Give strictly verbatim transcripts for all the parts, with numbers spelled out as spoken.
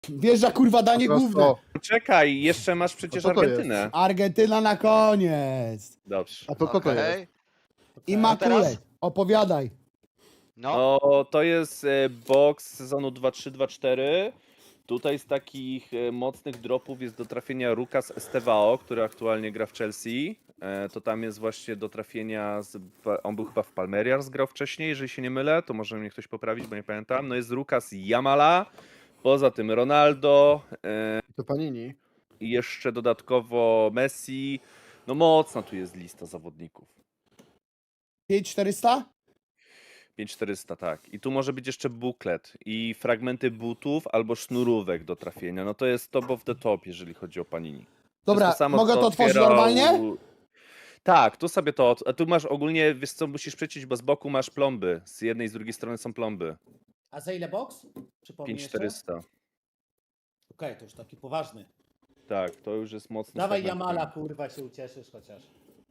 Wjeżdża kurwa danie Po prostu- główne. Czekaj, jeszcze masz przecież A co to jest? Argentynę. Argentyna na koniec. Dobrze. A to co to jest? Okej. I A Makulec. teraz? Opowiadaj. No, O, to jest e, box sezonu dwa trzy dwa cztery. Tutaj z takich e, mocnych dropów jest do trafienia Rukas Estevao, który aktualnie gra w Chelsea. E, to tam jest właśnie do trafienia, z, on był chyba w Palmerias, grał wcześniej, jeżeli się nie mylę, to może mnie ktoś poprawić, bo nie pamiętam. No jest Rukas Jamala, poza tym Ronaldo, e, To Panini. i jeszcze dodatkowo Messi. No mocna tu jest lista zawodników. pięć czterysta? pięć czterysta, tak. I tu może być jeszcze buklet i fragmenty butów albo sznurówek do trafienia. No to jest top of the top, jeżeli chodzi o Panini. To Dobra, jest samo, mogę co to otworzyć otwierał- normalnie? Tak, tu sobie to. A tu masz ogólnie, wiesz co, musisz przeciąć, bo z boku masz plomby. Z jednej i z drugiej strony są plomby. A za ile box? Przypomnij pięć jeszcze? czterysta. Okej, to już taki poważny. Tak, to już jest mocny Dawaj segment. Jamala, kurwa, się ucieszysz chociaż.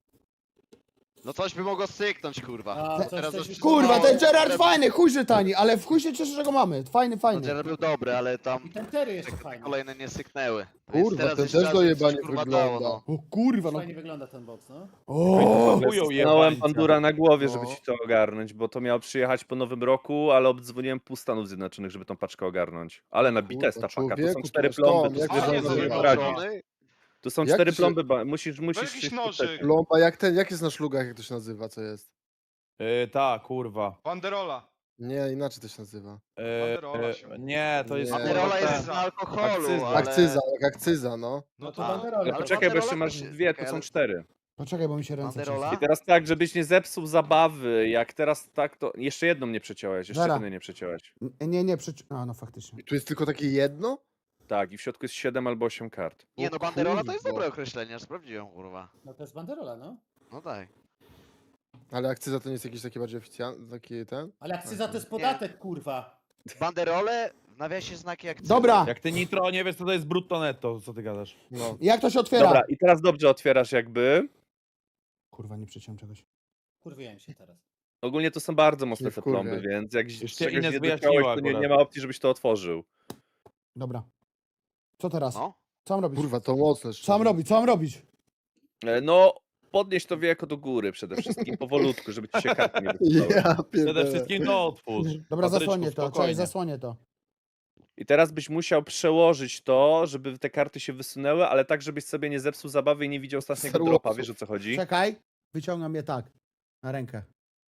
no coś by mogło syknąć, kurwa. A, Bo coś- teraz coś już- Kurwa, no, ten Gerard ten- fajny, chuj że tani, ale w chuj się cieszę, że go mamy. Fajny, No, fajny. Gerard był dobry, ale tam I ten Terry jeszcze te fajny. kolejne nie syknęły. Kurwa, teraz ten jeszcze też raz dojebanie coś, kurwa, wygląda. dało, no. O kurwa, no. Fajnie wygląda ten box, no. O, Stanąłem pandura na głowie, żeby No. ci to ogarnąć, bo to miało przyjechać po nowym roku, ale obdzwoniłem pół Stanów Zjednoczonych, żeby tą paczkę ogarnąć. Ale nabita jest ta Kurwa, paka, to są człowieku, cztery to plomby, skąd? tu Jak sobie to nie jest możesz zaznaczone? poradzić. Tu są Jak cztery się- plomby, ba- musisz, musisz jakiś się nożyk. skutecznie. Plomba, jak ten, jak jest na szlugach, jak to się nazywa, co jest? Yy, tak, kurwa. Banderola. Nie, inaczej to się nazywa. Yy, Banderola się yy, nie, to jest. Nie. Banderola kurwa, jest z ten- alkoholu, Akcyza. ale... Akcyza, jak akcyza, no. No to to banderola. Ale Ale poczekaj, bo jeszcze banderola masz też- dwie, to czekaj, są ale- cztery. poczekaj, bo mi się ręce Banderola? trzęsą. I teraz tak, żebyś nie zepsuł zabawy, jak teraz tak, to jeszcze jedną nie przeciąłeś, jeszcze Zara. jednej nie przeciąłeś. N- Nie, nie, przecież... A, no faktycznie. I tu jest tylko takie jedno? Tak, i w środku jest siedem albo osiem kart. Nie O no, banderola to jest kurwa. dobre określenie, aż sprawdziłem, kurwa. No to jest banderola, no. No daj. Ale akcyza to nie jest jakiś taki bardziej oficjalny, taki ten? Ale akcyza to jest podatek, kurwa. Banderole w nawiasie znaki akcyzy. Dobra, Jak ty nitro nie wiesz, co to jest brutto netto, co ty gadasz? No. jak to się otwiera? Dobra, i teraz dobrze otwierasz jakby. Kurwa, nie przeciąłem czegoś. Kurwiłem się teraz. Ogólnie to są bardzo mocne Nie te wkurwiaj. plomby, więc jak Już cię czegoś Ines nie wyjaśniła dotknąłeś, to nie, akurat. nie ma opcji, żebyś to otworzył. Dobra. Co teraz? No. Co mam robić? Kurwa, to mocne. Co mam robić? Co mam robić? E, No, podnieś to wieko do góry przede wszystkim, powolutku, żeby ci się karty nie wysypały. Ja Przede pierdolę. wszystkim to otwórz. Dobra, Patryczku, zasłonię to, spokojnie. cześć, zasłonię to. I teraz byś musiał przełożyć to, żeby te karty się wysunęły, ale tak, żebyś sobie nie zepsuł zabawy i nie widział ostatniego Star dropa, Warsów. wiesz o co chodzi? Czekaj, wyciągam je tak. Na rękę.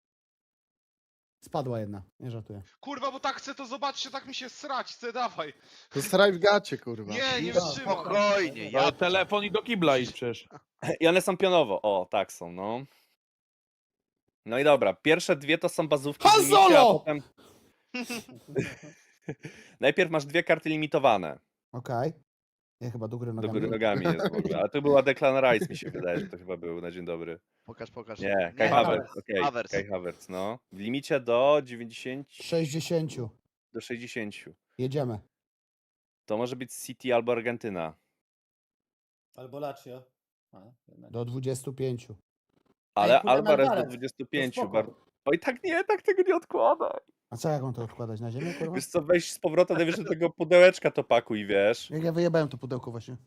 Spadła jedna, nie żartuję. kurwa, bo tak chcę to zobaczyć, tak mi się srać, chcę dawaj. To straj w gacie, kurwa. Nie, nie No, wytrzymam. Spokojnie, ja... Ale telefon i do kibla idź przecież. I one są pionowo, o, tak są, no. No i dobra, pierwsze dwie to są bazówki. Han w limicie, a Solo! potem... Najpierw masz dwie karty limitowane. Okej. Ja chyba do góry Do nogami. góry nogami jest w ogóle. A to była Declan Rice, mi się wydaje, że to chyba był na dzień dobry. Pokaż, pokaż. Nie, Kai Nie, Havertz, okej, Havertz. Kai Havertz, no. W limicie do dziewięćdziesięciu, sześćdziesiąt. do sześćdziesięciu. Jedziemy. To może być City albo Argentyna. Albo Lazio. A, jednak. Do dwudziestu pięciu. Ale kurde, Alvarez do Alvarez. dwudziestu To pięciu. spoko. Bar... Oj, tak nie, tak tego nie odkładaj. A co, jak on to odkładać? Na ziemię, kurwa? Wiesz co, weź z powrotem najwyżej do tego pudełeczka to pakuj, wiesz. Jak ja wyjebałem to pudełko właśnie.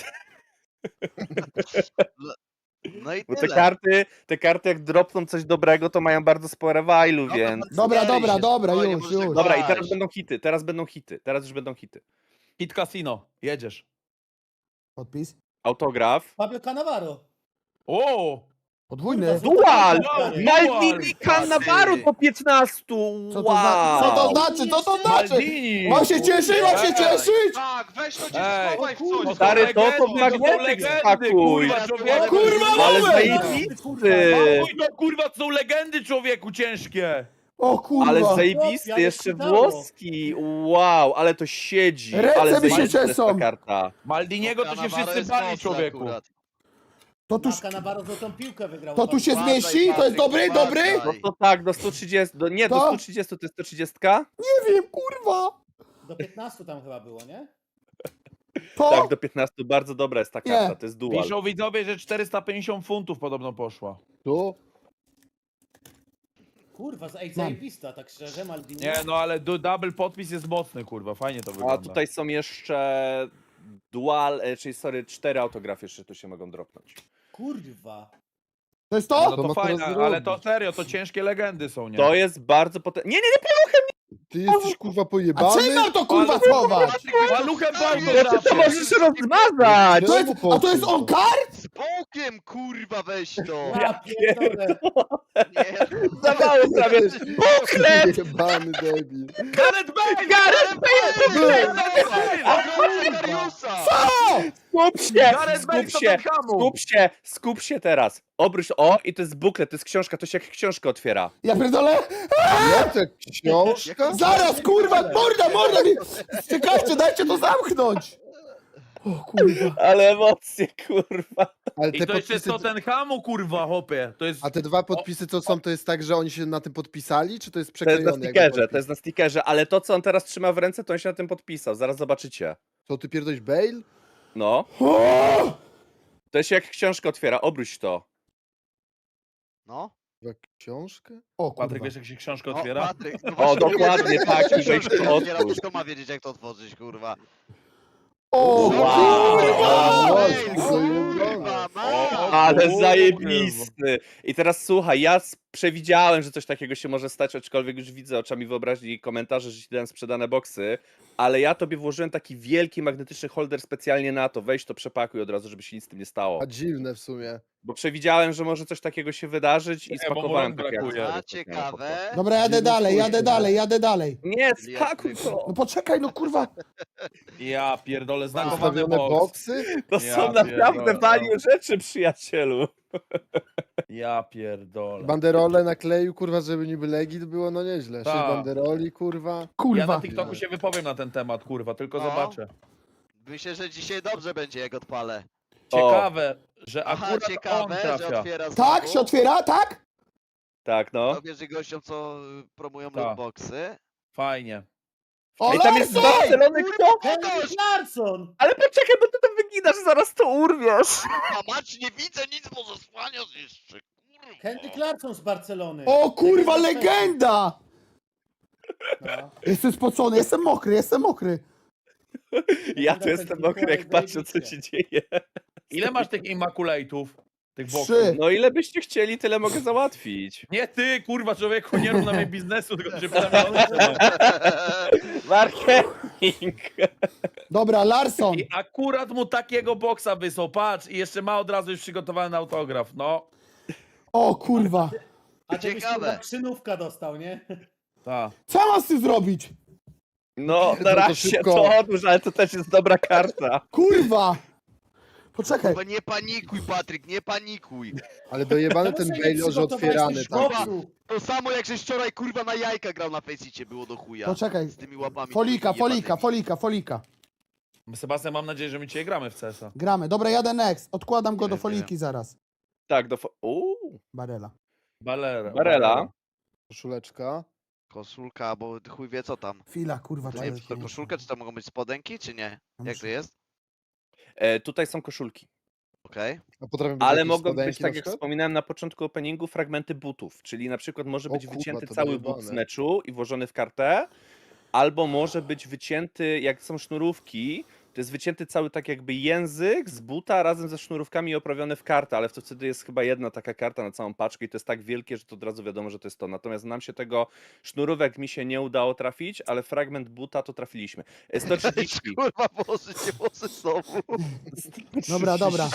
No i Bo te tyle. karty, te karty jak dropną coś dobrego, to mają bardzo spore wajlu, Dobra, więc... Dobra, Zbieraj dobra, się, dobra, spokojnie, już, możesz tak już. Dobra, i kłaść. teraz będą hity, teraz będą hity, teraz już będą hity. Hit Casino, jedziesz. Podpis. Autograf. Pablo Cannavaro. O! Podwójny. Kurwa, Dual! Dual! Maldini Cannavaro Ty. po piętnastu! Co to, zna- co to Wow! znaczy? Co to znaczy? Maldini! Mam się cieszyć, mam się cieszyć! Tak, weź to cię Ej, schowaj w kurwa, coś. Stary, to to w legendy, to są magnetyk legendy, spakuj! kurwa, O człowieku. kurwa, Ale moment! zajebisty! Oj, to kurwa, to są legendy, człowieku, ciężkie! O kurwa. Ale Ja zajebisty, nie jeszcze czytało. włoski! Wow, ale to siedzi! Ręce Ale mi się zajebista jest ta czesą. karta. Maldiniego to się Cannavaro wszyscy jest bali, mocny człowieku. akurat. To tu, Na Cannavaro złotą piłkę wygrał. to tu się Uważaj, zmieści? To jest Patryk, dobry, dobry? uważaj. No to tak, do stu trzydziestu, do, nie, do To? stu trzydziestu to jest sto trzydzieści? Nie wiem, kurwa. Do piętnastu tam chyba było, nie? To? Tak, do piętnastu, bardzo dobra jest ta Nie. karta, to jest dual. Piszą widzowie, że czterysta pięćdziesiąt funtów podobno poszła. Tu? Kurwa, ej, zajebista, tak szczerze, Maldini. Nie, no ale du- double podpis jest mocny, kurwa, fajnie to wygląda. A tutaj są jeszcze dual, e, czyli sorry, cztery autografy jeszcze tu się mogą dropnąć. Kurwa. To jest No to? To to ma fajne, teraz ale to zrobić. serio, to ciężkie legendy są, nie? To jest bardzo potężne. Nie, nie, nie, Ty jesteś kurwa A pojebany? czym mam to kurwa Ale- schować? Maluchem bardzo nie, ty to możesz rozmazać! To jest, a to jest on kart? Z bokiem, kurwa, weź to! Ja pierdolę. Nie, Za mało prawie. Buklet! Jebany debil. Gareth Bale! Gareth Dariusa! Skup się! Gareth Bale Skup z się! Tottenhamu! Skup się! Skup się teraz! Obróć, o, i to jest buklet, to jest książka, to się jak książkę otwiera. Ja pierdolę? Jak to książka? Zaraz, kurwa, morda, morda mi! Czekajcie, dajcie to zamknąć! O kurwa. Ale emocje, kurwa. Ale I te to jeszcze z podpisy... Tottenhamu, kurwa, hopie. To jest... A te dwa podpisy co są, to jest tak, że oni się na tym podpisali, czy to jest To jest przeklejone? na jakby stickerze, podpis? to jest na stickerze, ale to, co on teraz trzyma w ręce, to on się na tym podpisał, zaraz zobaczycie. Co, ty pierdolisz Bale? No, O! to się jak książkę otwiera, obróć to. No, Jak książkę? O Patryk, kurwa. wiesz jak się książkę o, otwiera? Patryk, no O, właśnie dokładnie, mówię, tak, jak i weź książkę to otwiera, otwórz. to kto ma wiedzieć, jak to otworzyć, kurwa? O Wow. kurwa! O, Ej, kurwa, kurwa, O, ma! Ale kurwa. zajebisty! I teraz słuchaj, ja s- przewidziałem, że coś takiego się może stać, aczkolwiek już widzę oczami wyobraźni komentarze, że ci dałem sprzedane boksy, ale ja tobie włożyłem taki wielki magnetyczny holder specjalnie na to. Weź to, przepakuj od razu, żeby się nic z tym nie stało. A dziwne w sumie. Bo przewidziałem, że może coś takiego się wydarzyć i Nie, bo mu spakowałem rąk takie brakuje. akcesoria A, specjalne po to. ciekawe. Dobra, jadę dalej, jadę dalej, jadę dalej. Nie, spakuj No to! poczekaj, no kurwa. Ja pierdolę, znakowany Ustawione box. boksy? To Ja są naprawdę pierdolę. value rzeczy, przyjacielu. Ja pierdolę. Banderole nakleił, kurwa, żeby niby legit było, no nieźle. Sześć Tak. banderoli, kurwa. Ja na Kurwa. TikToku się wypowiem na ten temat, kurwa, tylko No. zobaczę. Myślę, że dzisiaj dobrze będzie, jak odpalę. Ciekawe, że Aha, akurat on ciekawe, że trafia. otwiera Tak, znowu. się otwiera, tak? Tak, no. To wierzy gościom, co y, promują Tak. lootboxy. Fajnie. O, I tam jest Larson! Barcelony kto? Henryk Larsson! Ale poczekaj, bo ty to wyginasz, zaraz to urwiesz. A mać, nie widzę nic, bo zasłaniasz jeszcze, kurwa. Henryk Larsson z Barcelony. O kurwa, legenda! No. Jestem spocony, jestem mokry, jestem mokry. Ja tu jestem mokry, jak patrzę, co się dzieje. Ile masz tych immaculate'ów? Tych boksów? Trzy. No ile byście chcieli, tyle mogę załatwić. Nie ty, kurwa, człowieku, nie rób na mnie biznesu, tylko się pytam, ile one są. Marketing. Dobra, Larson. I akurat mu takiego boksa wysłał, patrz, i jeszcze ma od razu już przygotowany autograf, no. O kurwa. A ty byś Ciekawe. kurwa krzynówka dostał, nie? Ta. Co mam z tym zrobić? No, to na razie szybko. to odłóż, ale to też jest dobra karta. Kurwa. Poczekaj. Kurwa, nie panikuj, Patryk, nie panikuj. Ale dojebany ten Czemu sobie nie Bale, że przygotowałeś otwierany tych tak. boksów? To samo jak żeś wczoraj, kurwa, na jajka grał na Faceicie, było do chuja. Poczekaj. Z tymi łapami. Folika, takimi folika, jebanymi. folika, folika. Sebastian, mam nadzieję, że my dzisiaj gramy w C S a. Gramy. Dobra, jadę next. Odkładam go Nie do wiem. foliki zaraz. Tak, do... fo- Uuu, Barela. Balera. Barela. Koszuleczka. Koszulka, bo chuj wie co tam. Chwila, kurwa. To to nie jest to nie- koszulka, czy to mogą być spodenki, czy nie? No Jak muszę- to jest? E, tutaj są koszulki. Okej. A potrafią być Ale jakieś mogą być, spodenki tak na jak przykład? wspominałem na początku openingu, fragmenty butów. Czyli na przykład może O być kurwa, wycięty to cały but dojebane. z meczu i włożony w kartę, albo może być wycięty, jak są sznurówki, to jest wycięty cały tak jakby język z buta razem ze sznurówkami i oprawiony w kartę, ale to wtedy jest chyba jedna taka karta na całą paczkę i to jest tak wielkie, że to od razu wiadomo, że to jest to. Natomiast nam się tego sznurówek mi się nie udało trafić, ale fragment buta to trafiliśmy. E, sto trzydzieści. Kurwa, włoży się włosy znowu. Dobra, dobra.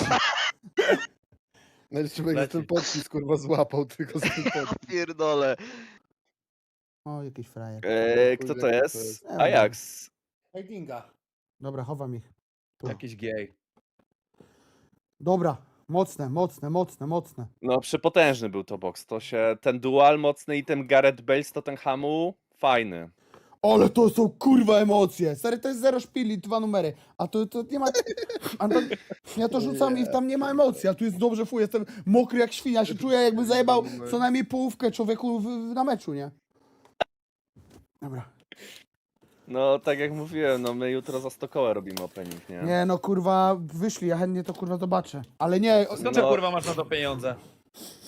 No jeszcze będzie Leci. ten podpis, kurwa, złapał tylko z tym podpis. Pierdolę. O, jakiś frajer. E, kto to Kurde, kto to jest? jest? Ajax. Heidinga. Dobra, chowam ich. Tu. Jakiś gej. Dobra. Mocne, mocne, mocne, mocne. No, przepotężny był to box. To się, ten dual mocny i ten Gareth Bale z Tottenhamu, fajny. Ale to są kurwa emocje. Stary, to jest zero szpili, dwa numery. A to, to nie ma... A to, ja to rzucam i tam nie ma emocji. A tu jest dobrze, fuj, jestem mokry jak świnia. Się czuję, jakby zajebał co najmniej połówkę człowieku w, w, na meczu, nie? Dobra. No, tak jak mówiłem, no my jutro za Stokołę robimy opening, nie? Nie no, kurwa, wyszli, ja chętnie to kurwa zobaczę. Ale nie, o- Skąd No. ty, kurwa, masz na to pieniądze?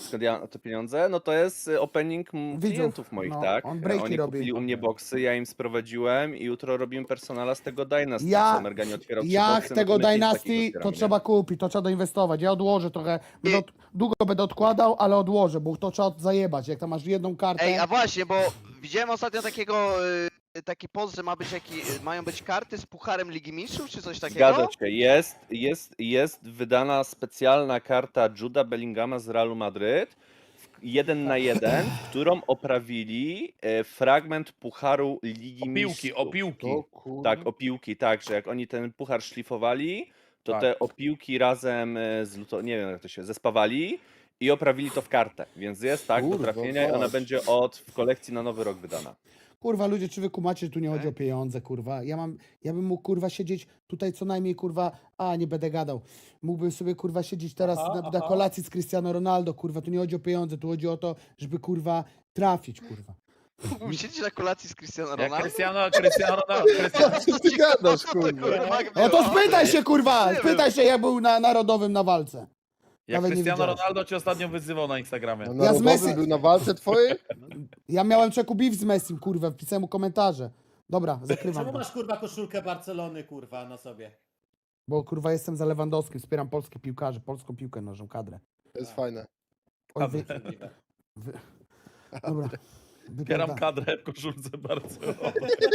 skąd ja mam te pieniądze? No to jest y, opening m- Widzów, klientów moich, no, tak? on breaki Oni robi. kupili u mnie boksy, ja im sprowadziłem i jutro robimy personala z tego Dynasty, Ja- co Mergani otwierał trzy Jak boksy, no tego to my pięć Dynasty, takich to otwieramy, nie? trzeba kupić, to trzeba doinwestować. Ja odłożę trochę, będę od, długo będę odkładał, ale odłożę, bo to trzeba zajebać. Jak tam masz jedną kartę. Ej, a właśnie, bo widziałem ostatnio takiego, y, taki post, że ma być jaki, mają być karty z Pucharem Ligi Mistrzów, czy coś takiego? Zgadza się, jest, jest, jest wydana specjalna karta Juda Bellingama z Realu Madryt, w- jeden na jeden, którą oprawili e, fragment Pucharu Ligi Opiłki, Mistrzów. opiłki. To kurwa. Tak, opiłki, tak, że jak oni ten puchar szlifowali, to Tak. te opiłki razem e, z luto, nie wiem jak to się, zespawali i oprawili to w kartę, więc jest tak do Kurwa, trafienia i ona patrz. będzie od w kolekcji na nowy rok wydana. Kurwa, ludzie, czy wy kumacie, że tu nie chodzi o pieniądze, kurwa. Ja mam, ja bym mógł, kurwa, siedzieć tutaj co najmniej, kurwa, a, nie będę gadał. Mógłbym sobie, kurwa, siedzieć teraz Aha, na, na aha. kolacji z Cristiano Ronaldo, kurwa. Tu nie chodzi o pieniądze, tu chodzi o to, żeby, kurwa, trafić, kurwa. Mógłbym siedzieć na kolacji z Cristiano Jak Ronaldo? Cristiano, Cristiano Ronaldo. Cristiano... Co ty gadasz, Co to, kurwa? No to spytaj się, kurwa, Nie spytaj się, jak był na narodowym na walce. Jak Nawet nie Cristiano widziałeś. Ronaldo cię ostatnio wyzywał na Instagramie. Na Ja z narodowym Messi- był na walce twojej? Ja miałem czeku beef z Messim, kurwa, wpisałem mu komentarze. Dobra, zakrywam Czemu to. masz kurwa koszulkę Barcelony kurwa na sobie? Bo, kurwa, jestem za Lewandowskim, wspieram polskich piłkarzy, polską piłkę nożną, kadrę. To jest fajne. Oj, wy, Możliwe. wy, dobra. Bieram Wypierda- kadrę w koszulce Barcelony.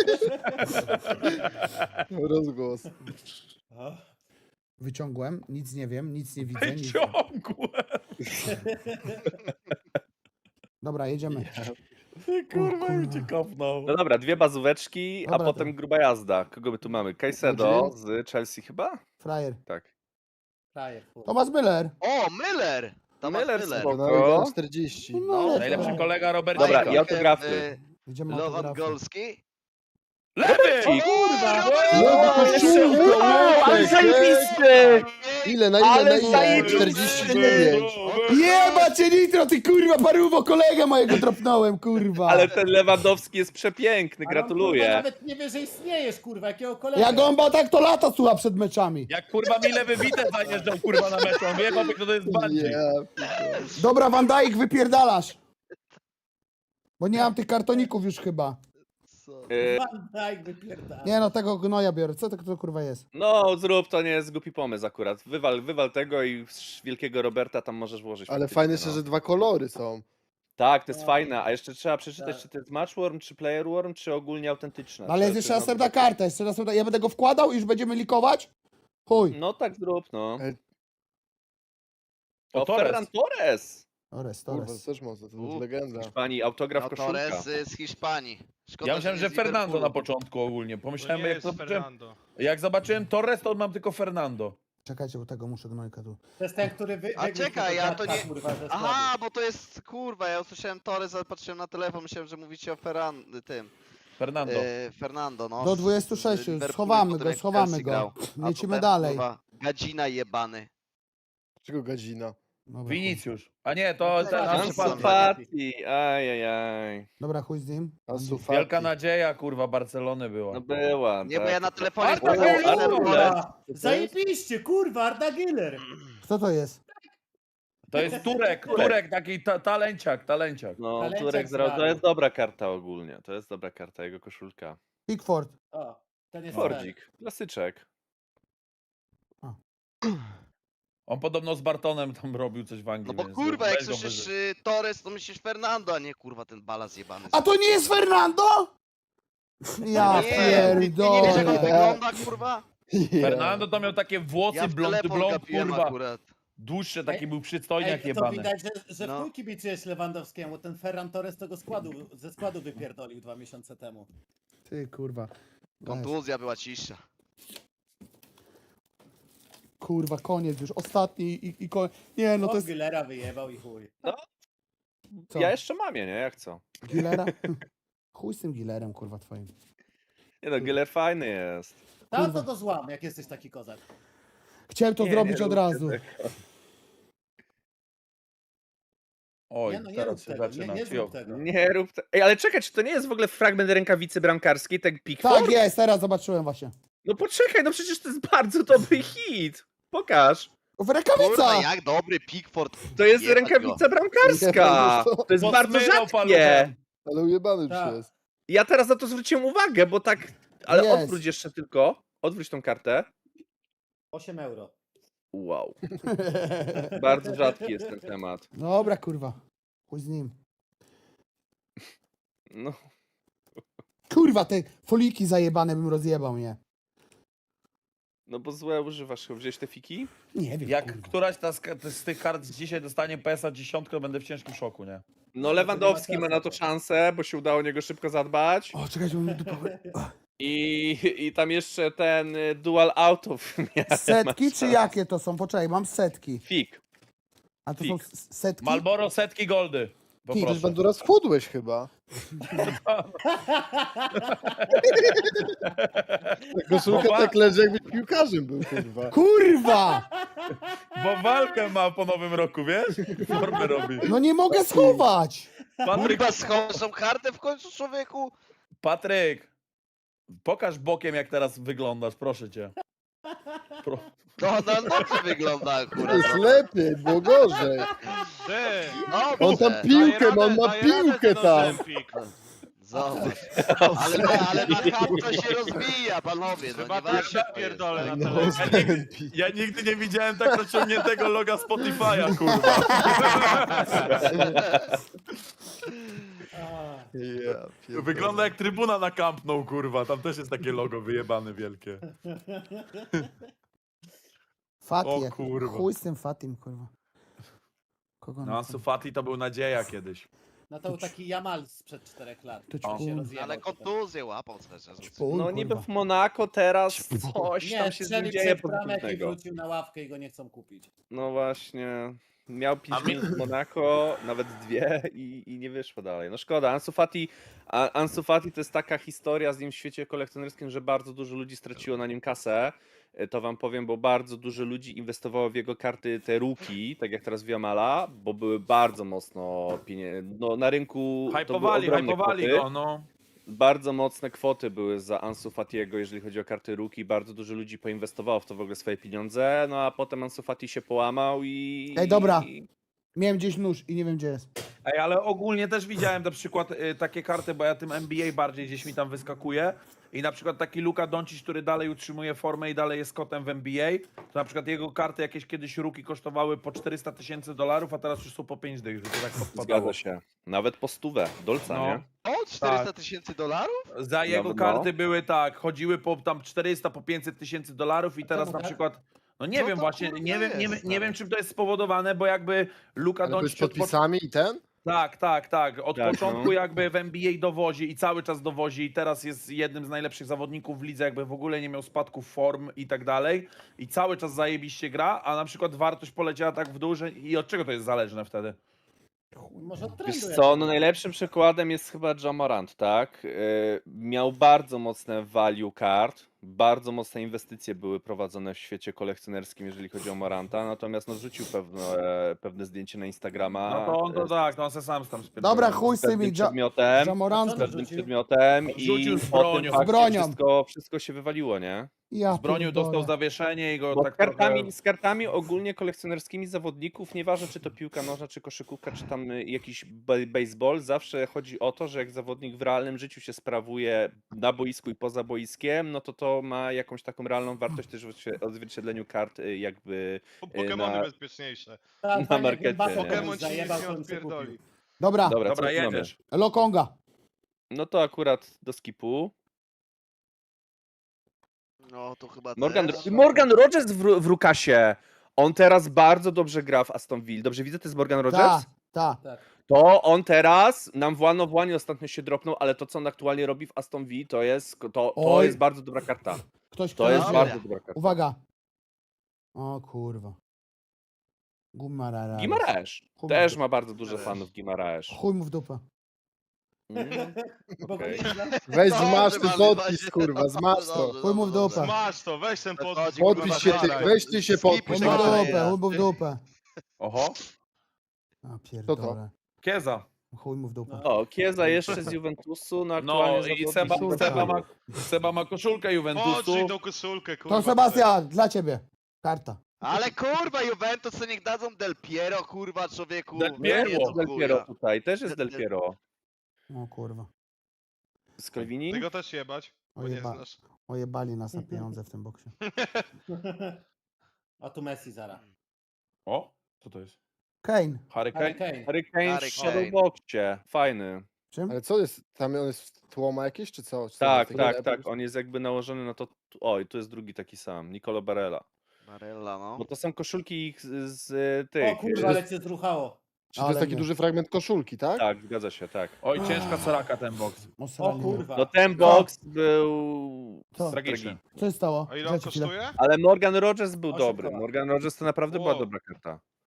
Rozgłos. O, Wyciągłem, nic nie wiem, nic nie widzę. Nic... Ciągłe. Dobra, jedziemy. Ty kurwa, kurwa. już cię kopnął. No dobra, dwie bazóweczki, Dobra, a potem to- gruba jazda. Kogo my tu mamy? Caicedo z Chelsea chyba? Frajer. Tak. frajer, kurwa. Tomasz Müller. O, Miller! Thomas Miller Miller. spoko. Na czterdzieści. No, Najlepszy kolega Robert Dobra, Jacob. i autografy. E, Idziemy Lowan autografy. Golski. Lewy! Kurwa! No, jeszcze- Łukasz, ale Łukasz, zajebisty! Ile, na ile, Ale na ile? zajebisty! czterdzieści dziewięć. Jeba cię nitro, ty kurwa, paruwo, kolegę mojego dropnąłem, kurwa. Ale ten Lewandowski jest przepiękny, Ale on, kurwa, gratuluję. nawet nie wie, że istniejesz, kurwa, jakiego kolegę. Jak on ma tak, to lata słucha przed meczami. Jak kurwa Mile wybite zajeżdżał kurwa na meczu. On wie, chłopie, kto to jest bandzik. Ja, pierdolę. Dobra, Van Dijk, wypierdalasz. Bo nie mam tych kartoników już chyba. Co? E, Van Dijk wypierdala. Nie no, tego gnoja biorę. Co to, to kurwa jest? No, zrób, to nie jest głupi pomysł akurat. Wywal, wywal tego i z wielkiego Roberta tam możesz włożyć. Ale faktycznie, fajne no. jeszcze, że dwa kolory są. Tak, to jest No. fajne, a jeszcze trzeba przeczytać, Tak. czy to jest Matchworm, czy Playerworm, czy ogólnie autentyczne. Ale jest Czy- jeszcze czy następna no- karta, jeszcze następna. Ja będę go wkładał i już będziemy likować? Chuj. No tak zrób, no. E, O, O, Torres. Ferran Torres! Torres, Kurwa, to Torres. też mocno, to U. jest legenda. Pani, autograf No koszulka. Torres y, z Hiszpanii. Szkoda, Ja myślałem, nie że z Fernando Liverpoolu. na początku ogólnie. To Pomyślałem, nie jak, jest zobaczyłem, Fernando. jak zobaczyłem Torres, to mam tylko Fernando. Czekajcie, bo tego muszę gnojka tu. To jest ten, który wy... A wygryzł czekaj, tego ja to dziadka, nie- Kurwa, ze Aha, bo to jest, kurwa, ja usłyszałem Torres, ale patrzyłem na telefon, myślałem, że mówicie o Ferran, tym, Fernando. e, Fernando, no. Do z- dwudziestu z sześciu, Liverpoolu, schowamy potem go, jak schowamy Chelsea go. grał. A Lecimy to ten, dalej. Kurwa, gadzina jebany. Czego gadzina? Dobra, chuj. Vinicius. A nie, to ten Ansu Ansu Fati. Fati. Fati, ajajaj. Dobra, chuj z nim. Ansu Wielka Fati. nadzieja, kurwa, Barcelony była. No była, Nie, bo tak. ja na telefonie Arda sprawdzałem, Güler, że kurwa. Torres- Zajebiście, kurwa, Arda Güler. Kto to jest? To jest Turek, Turek, taki ta, talenciak, talenciak. No, Talenciak Turek z zra- to Realu. jest dobra karta ogólnie. To jest dobra karta, jego koszulka. Pickford. O, ten jest ten. Fordzik, klasyczek. On podobno z Bartonem tam robił coś w Anglii. No bo więc kurwa, weź jak go słyszysz wyżej. y, Torres, to myślisz Fernando, a nie kurwa ten balaz jebany. A to nie jest Fernando? Ja nie, ty nie wiesz jak on pierdolę. wygląda, kurwa? Fernando to miał takie włosy, Ja w blond, telefon blond, gapiłem kurwa. akurat. Dłuższe, taki Ej, był przystojniak Ej, to jebany. widać, że, że No. w chuj kibicujesz Lewandowskiemu. Ten Ferran Torres tego składu, ze składu wypierdolił dwa miesiące temu. Ty kurwa. Kontuzja była cisza. Kurwa, koniec już. Ostatni i, i koniec. Nie, no to jest Gillera wyjebał i chuj. Co? Ja jeszcze mam je, nie? Jak co? Gilera. Chuj z tym Gilerem, kurwa, twoim. Nie no, Giller fajny jest. Tam Kurwa. to to złam, jak jesteś taki kozak. Chciałem to Nie, zrobić nie od róbcie razu. tego. Oj, Nie, no nie teraz rób się tego, nie, zaczyna. nie Cio. zrób tego. Nie rób te... Ej, ale czekaj, czy to nie jest w ogóle fragment rękawicy bramkarskiej, tak Pickford? Tak jest, teraz zobaczyłem właśnie. No poczekaj, no przecież to jest bardzo dobry hit. Pokaż. Kurwa, Rękawica! jak dobry Pickford. To jest Jebać rękawica Nie, bramkarska! to- To jest bardzo Podmywał rzadkie! paluchem. Ale ujebany Tak. już jest. Ja teraz na to zwróciłem uwagę, bo tak... Ale Jest. odwróć jeszcze tylko. Odwróć tą kartę. osiem euro. Wow. Bardzo rzadki jest ten temat. Dobra, kurwa. Chuj z nim. No, Kurwa, te foliki zajebane bym rozjebał, nie? no bo złe używasz. Wziąłeś te fiki? Nie wiem, Jak kurwa. któraś ta z, z tych kart dzisiaj dostanie P S a dziesięć, to będę w ciężkim szoku, nie? No Lewandowski ma na to szansę, bo się udało o niego szybko zadbać. O, czekajcie, bo mi dupa... I, i tam jeszcze ten y, dual outów miałem. Setki czy jakie to są? Poczekaj, mam setki. Fik. A to Fik. są s- setki? Malboro setki goldy. Ty, Też Poproszę. Bandura schudłeś chyba. Ta koszulka Opa. tak leży, jakbyś piłkarzem był, kurwa. Kurwa! Bo walkę ma po nowym roku, wiesz? Formę robi. No nie mogę schować! Patryk, Kurwa, schowasz tą kartę w końcu, człowieku? Patryk, pokaż bokiem, jak teraz wyglądasz, proszę cię. Pro... To no, dobrze wygląda akurat. Jest lepiej, było gorzej. Ty! Dobrze. On tam Daję piłkę ma, on radę- ma daję radę piłkę ten tam. Ozempik. Zobacz. Ale, na- ale na kapto się rozwija, panowie. No, Chyba nieważne, też się co pierdolę jest, na tak. telewizji. Ja nigdy, ja nigdy nie widziałem tak rozciągniętego loga Spotify'a, kurwa. A, Wygląda jak trybuna na Camp Nou, kurwa. Tam też jest takie logo wyjebane wielkie. Fati, O jak- kurwa. chuj z tym Fatim, kurwa. Kogo No, na Ansu Fati to był nadzieja kiedyś. No to był taki Jamal sprzed czterech lat. To ci O. Się kurwa. rozjebał Ale potem. kontuzję łapał cały czas. Chuj, No niby kurwa. w Monako teraz coś Nie, tam się z nim strzelił dzieje przed bramek i pozytywnego. wrócił na ławkę i go nie chcą kupić. No właśnie. Miał pięć A mi- minut w Monako, nawet dwie i, i nie wyszło dalej. No szkoda. Ansu Fati, a, Ansu Fati to jest taka historia z nim w świecie kolekcjonerskim, że bardzo dużo ludzi straciło na nim kasę. E, To wam powiem, bo bardzo dużo ludzi inwestowało w jego karty te rookie, tak jak teraz w Jamala, bo były bardzo mocno pieniędzy. No, na rynku to były Hypowali, ogromne hypowali kwoty. go, no. Bardzo mocne kwoty były za Ansu Fatiego, jeżeli chodzi o karty rookie. Bardzo dużo ludzi poinwestowało w to w ogóle swoje pieniądze, no a potem Ansu Fati się połamał i... Ej, dobra. i- Miałem gdzieś nóż i nie wiem gdzie jest. Ej, ale ogólnie też widziałem na przykład y, takie karty, bo ja tym N B A bardziej gdzieś mi tam wyskakuje. I na przykład taki Luka Doncic, który dalej utrzymuje formę i dalej jest kotem w N B A, to na przykład jego karty jakieś kiedyś rookie kosztowały po czterysta tysięcy dolarów, a teraz już są po pięć dych, że to tak podpadało. Zgadza się. Nawet po stówę. Dolca, No. nie? O, czterysta tysięcy dolarów? Za jego no. karty były tak, chodziły po tam czterysta, po pięćset tysięcy dolarów i teraz czemu na tak? przykład, no nie Co wiem to właśnie, kurwa nie wiem, nie, jest, wiem- nie stary? wiem czym to jest spowodowane, bo jakby Luka Ale byłeś Doncic z od, po- podpisami i ten? tak, tak, tak, od Tak, początku no. jakby w N B A dowozi i cały czas dowozi i teraz jest jednym z najlepszych zawodników w lidze, jakby w ogóle nie miał spadków form i tak dalej i cały czas zajebiście gra, a na przykład wartość poleciała tak w dół, że i od czego to jest zależne wtedy? Może od Wiesz trendu co, no jakiegoś. najlepszym przykładem jest chyba Ja Morant, tak? Yy, miał bardzo mocne value card, bardzo mocne inwestycje były prowadzone w świecie kolekcjonerskim, jeżeli chodzi o Moranta, natomiast no rzucił pewne, pewne zdjęcie na Instagrama No to on to e, tak, no on se sam tam spierdolił. Dobra, chuj z z pewnym tymi ja, przedmiotem, Jamorant. z pewnym przedmiotem i Rzucił z po tym bronią. fakcie Z bronią. Wszystko, wszystko się wywaliło, nie? Ja Z bronią pierdolę. dostał zawieszenie i go Bo tak z, kartami, trochę... z kartami ogólnie kolekcjonerskimi zawodników, nieważne czy to piłka nożna, czy koszykówka, czy tam y, jakiś be- baseball, zawsze chodzi o to, że jak zawodnik w realnym życiu się sprawuje na boisku i poza boiskiem, no to to ma jakąś taką realną wartość też w odzwie- odzwierciedleniu kart y, jakby... Pokemony na- bezpieczniejsze. Tak, na fajnie, markecie, jakby nie? Pokemon Pokemon ci nic zajebał, nie to bym sobie odpierdoli. kupił. Dobra, Dobra, Dobra, co tu mamy? jedziesz. Lokonga. No to akurat do skipu. No to chyba Morgan, też. Morgan Rogers w, w Rukasie. On teraz bardzo dobrze gra w Aston Villa. Dobrze widzę, to jest Morgan Rogers? Ta, ta. To on teraz, nam Włano Włanie ostatnio się dropnął, ale to co on aktualnie robi w Aston Villa, to jest, to, to Oj. jest bardzo dobra karta. Ktoś, To kto jest wie. Dobra. bardzo dobra karta. Uwaga. O kurwa. Gumarara. Gimaraesz. Chuj Też mu- ma bardzo dużo Też. fanów Gimaraesz. Chuj mu w dupę. Mm. Bo Okej. okay. Weź Dobrze, zmasz ten mamy, podpis, właśnie. kurwa, zmasz to. Dobrze, Chuj mu w dobrze, dupę. Masz to, weź ten podpis. Chodzi, kurwa, Podpisz się, ty, dalej. weźcie się Chuj podpisz. mu Skipy w Czekaj, dupę, ja. chuj mu w dupę. Oho, A pierdolę. Kieza. Chuj mu w dupę. O, Kieza jeszcze z Juventusu, no No aktualnie i zawodnik Seba, Koszulka. Seba, ma, Seba ma koszulkę Juventusu. Podrzyj tą koszulkę, kurwa. To Sebastian, dla ciebie. Karta. Ale kurwa, Juventus to niech dadzą Del Piero, kurwa, człowieku. Del Nie, Piero. nie Jest do Del chuja. Piero tutaj, też jest Del- Del Piero. O kurwa. Z Calvini? Ty go też jebać, bo nie Ojeba. znasz. Ojebali nas na pieniądze w tym boksie. A tu Messi zaraz. O, co to jest? Kane. Harry Harry Kane? Kane. Harry Kane w Harry Kane. Shadowboxie, fajny. Czym? Ale co jest? Tam on jest w tłoma jakieś, czy co? Czy to Tak, jest tak, taki- tak, on jest jakby nałożony na to... Oj, tu jest drugi taki sam, Nicolo Barella. Barella, no. Bo to są koszulki ich z, z tych... O kurwa, ale cię zruchało. Czy to Ale jest taki nie. duży fragment koszulki, tak? Tak, zgadza się, tak. Oj, ciężka soraka ten box. O Osrali mnie. kurwa. No ten box był... Co? Tragiczny. Co się stało? A ile on Czekajcie chwilę. kosztuje? Ale Morgan Rogers był Osiem dobry. koła. Morgan Rogers to naprawdę była Wow. dobra karta.